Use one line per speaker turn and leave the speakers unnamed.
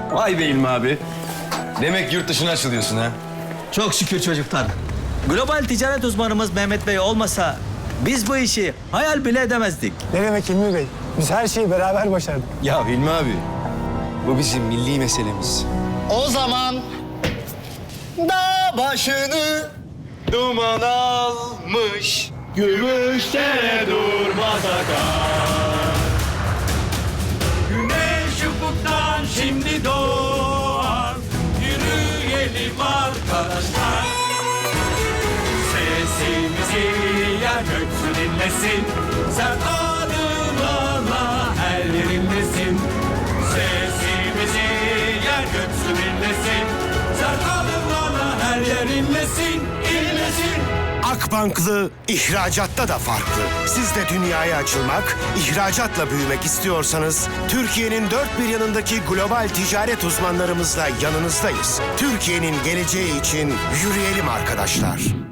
Vay be İlmi abi. Demek yurt dışına açılıyorsun ha.
Çok şükür çocuklar. Global ticaret uzmanımız Mehmet Bey olmasa biz bu işi hayal bile edemezdik.
Ne demek Hilmi Bey? Biz her şeyi beraber başardık.
Ya İlmi abi, bu bizim milli meselemiz.
O zaman dağ başını duman almış.
Gümüşte durmaz akar. Güneş ufuktan şimdi doğar. Yürüyelim arkadaşlar. Sesimizi yer göksü dinlesin. Sen adımlarla her yerindesin. Sesimizi yer göksü dinlesin. Sen adımlarla her yerindesin. İnlesin.
Akbanklı ihracatta da farklı. Siz de dünyaya açılmak, ihracatla büyümek istiyorsanız Türkiye'nin dört bir yanındaki global ticaret uzmanlarımızla yanınızdayız. Türkiye'nin geleceği için yürüyelim arkadaşlar.